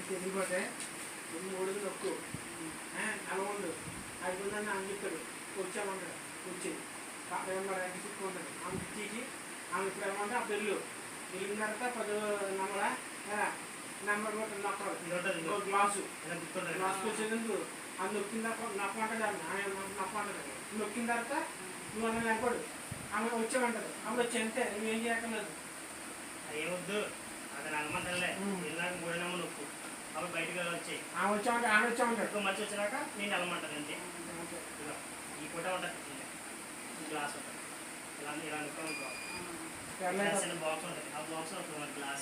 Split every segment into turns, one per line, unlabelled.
తెలియపోతే మూడుది నొక్కు అలా ఉండు అయిపోయిందని ఆమె చెప్తాడు వచ్చామంటాడు వచ్చి ఉంటుంది ఆమె తీసి ఆమె ఇప్పుడు ఏమంటే ఆ పెళ్ళు వెళ్ళిన తర్వాత 10 నెంబర్ నొక్కడు గ్లాసు వచ్చేందుకు అది నొక్కిన తర్వాత నొక్కమంటుంది ఆమె నొక్కమంటుంది నొక్కిన తర్వాత నువ్వు అన్న వెనకడు ఆమె వచ్చామంటారు అప్పుడు వచ్చి అంతే నువ్వేం చేయక్కర్లేదు
ఏమొద్దు అతను అనమంటలే వెళ్ళాక 3 నెంబర్ నొక్కు అప్పుడు బయటకు వచ్చాయి
ఆమె వచ్చామంటాడు
ఎక్కువ మంచి వచ్చినాక నేను వెళ్ళమంటాను అంతే ఈ పూట ఉంటుంది గ్లాస్ ఉంటుంది ఇలా నొక్కనుకో బాక్స్ ఉంటుంది ఆ బాక్స్ ఒక గ్లాస్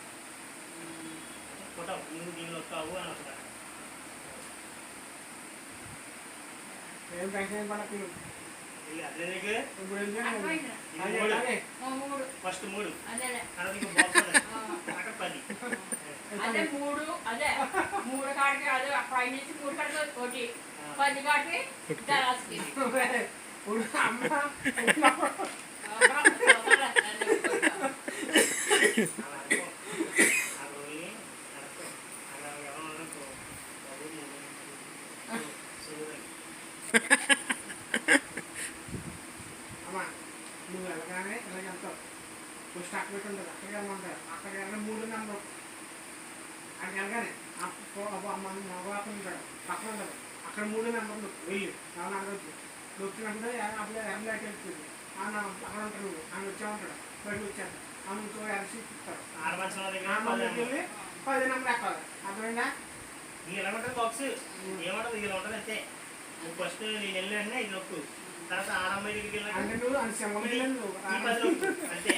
పూట నువ్వు దీనిలో వస్తావు అని వస్తుంది
ఏం టెన్షన్ పడకు
ఫస్ట్ 3
అదే
అక్కడ 10
అదే 3 అదే 3 కాడికి అదే పై నుంచి 3 కాడికి ఒకటి 10 కాడికి దరాస్కి
అమ్మా నువ్వు వెళ్ళగానే ఇలాగెళ్తావు ఫస్ట్ అక్కడ పెట్టి ఉంటుంది అక్కడికి వెళ్ళమంటారు అక్కడికి వెళ్ళిన 3 నెంబర్ అక్కడికి వెళ్ళగానే మగవాపం ఉంటాడు పక్కన ఉంటుంది అక్కడ 3 నెంబర్లు వెళ్ళి ఎవరు అడగద్దు నొక్కినప్పుడు అప్పుడు ఎర్రలైట్ వెళ్తుంది అక్కడ ఉంటాడు నువ్వు ఆమె వచ్చామంటాడు బయటకు వచ్చాడు ఆమె ఇంకో ఎర్రసి ఇస్తాడు వెళ్ళి 10 నెంబర్ ఎక్కాలి అర్థమైందా
ఇలా ఉంటుంది బాక్స్ ఏమంటుంది ఇలా ఉంటుంది అంతే నువ్వు ఫస్ట్ నేను వెళ్ళాను ఇది నొక్కు తర్వాత ఆడమ్మాయి దగ్గరికి వెళ్ళాను
అంటే నువ్వు
అంతే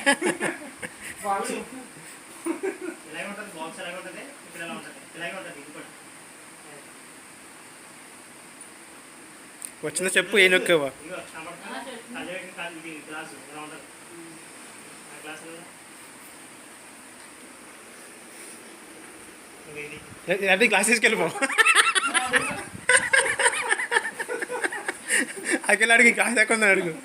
ఇలాగే ఉంటుంది బాక్స్ ఎలాగే ఉంటుంది ఇక్కడ ఎలా ఉంటుంది ఇలాగే ఉంటుంది ఇది కూడా
వచ్చిందో చెప్పు ఏ నొక్కేవా
ఇగో ఇది గ్లాసు ఎలా ఉంటుంది ఆ గ్లాసు
అది క్లాస్ తీసుకెళ్ళిపో అక్కడ అడిగి క్లాస్ ఎక్కడ ఉందని అడుగు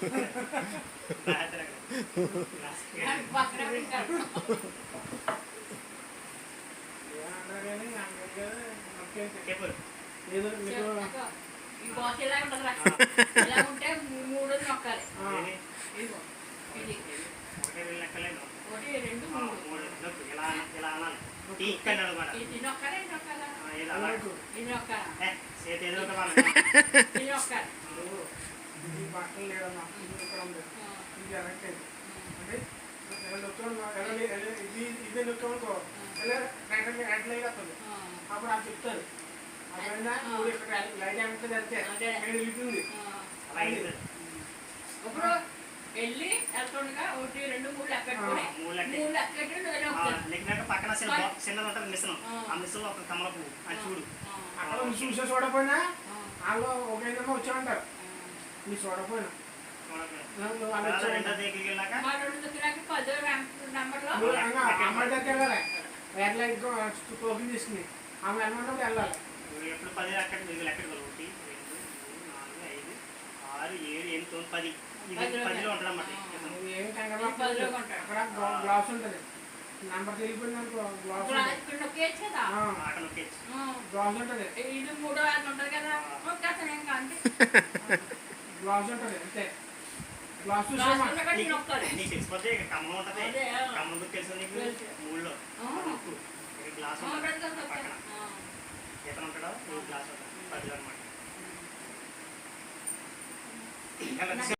ఏదో మీకు
ఇలా ఉంటే 3 నొక్కాలి ఇది 1 2 3
ఇలా అనాలి ఇక్కడ
ఇది నొక్కాలి నొక్కాలా ఇది నొక్కాలా
చేతి ఏదో
ఇది నొక్కాలి
ఈ బట్టలు లేదమ్మా ఇక్కడ ఉంది ఇది ఎలక్ట్ అయింది అంటే ఇదే నొక్కనుకో రైట్ లైట్ వస్తుంది అప్పుడు అది చెప్తారు అర్థమైందా నువ్వు ఇక్కడ లైట్ ఏమంటుంది అంతే వెళ్తుంది
ఇప్పుడు వెళ్ళి ఎలక్ట్రానిక్ 1 2 3 లెక్కెట్టుకుని 3 లెక్కెట్టు
పక్కన చిన్నది ఉంటుంది మిషన్ ఆ మిషన్ ఒక కమల పువ్వు అది చూడు
అక్కడ చూసే చూడకపోయినా వాళ్ళు ఒకేదమ్మా వచ్చామంటారు నీ చూడకపోయినా అమ్మాయి దగ్గర వెళ్ళాలి వేరే లైట్ టోకెన్ తీసుకుని ఆమె వెళ్ళమంటే వెళ్ళాలి
ఎప్పుడు 10 లెక్కలు 1 2 3 4 5 6 7 8 9 10 10లో ఉంటుంది అన్నమాట
ఏమి కంగారు అక్కడ గ్లాస్ ఉంటుంది నెంబర్ తెలియపోయిందనుకో గ్లాస్ గ్లాస్ ఉంటుంది
ఇది 3 ఉంటుంది కదా
గ్లాస్ ఉంటుంది అంతే గ్లాస్
తెలిసిపోతే కమ్మం ఉంటుంది కమ్మం గుర్తు తెలుసు నీకు 3లో గ్లాస్ పక్కన ఎతను ఉంటాడో గ్లాస్ ఉంటుంది 10లో అనమాట